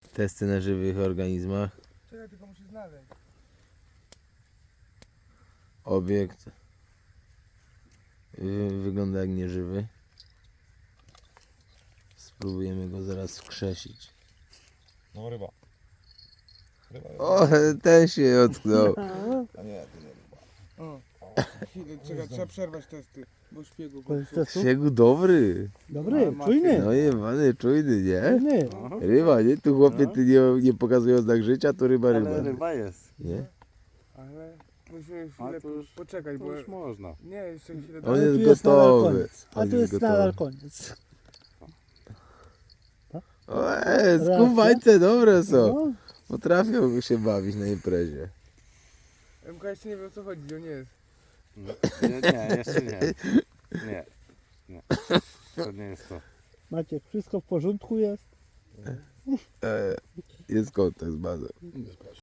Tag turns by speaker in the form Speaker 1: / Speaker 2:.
Speaker 1: Testy na żywych organizmach.
Speaker 2: Czekaj, tylko muszę znaleźć.
Speaker 1: Obiekt wygląda jak nieżywy. Spróbujemy go zaraz wskrzesić.
Speaker 3: No ryba.
Speaker 1: O, ten się ocknął.
Speaker 3: A nie, to nie ryba.
Speaker 2: O. Chwilę, czekaj, trzeba przerwać testy, bo szpiegu
Speaker 4: To jest
Speaker 2: go.
Speaker 4: testu?
Speaker 1: Siegu dobry.
Speaker 4: Dobry, czujny.
Speaker 1: No jebany, czujny, nie?
Speaker 4: Czujny.
Speaker 1: Ryba, nie? Tu chłopie ty nie pokazują znak życia, to ryba.
Speaker 5: Ale ryba jest.
Speaker 1: Nie?
Speaker 2: Ale musimy
Speaker 5: A
Speaker 2: chwilę
Speaker 5: to już,
Speaker 2: poczekać,
Speaker 5: to
Speaker 2: bo...
Speaker 5: już można.
Speaker 2: Nie, jeszcze chwilę.
Speaker 1: On
Speaker 4: Ale
Speaker 1: jest
Speaker 4: tu jest nadal
Speaker 1: gotowy.
Speaker 4: koniec. A
Speaker 1: On
Speaker 4: tu
Speaker 1: jest
Speaker 4: jest
Speaker 1: gotowy.
Speaker 4: nadal koniec.
Speaker 1: O, skubańce dobre są.
Speaker 4: No,
Speaker 1: Potrafią się bawić na imprezie.
Speaker 2: MK jeszcze nie wie o co chodzi, on nie jest.
Speaker 5: Nie, jeszcze nie. Nie. Nie. To nie jest to.
Speaker 4: Maciek, wszystko w porządku jest?
Speaker 1: Jest kontakt z bazą.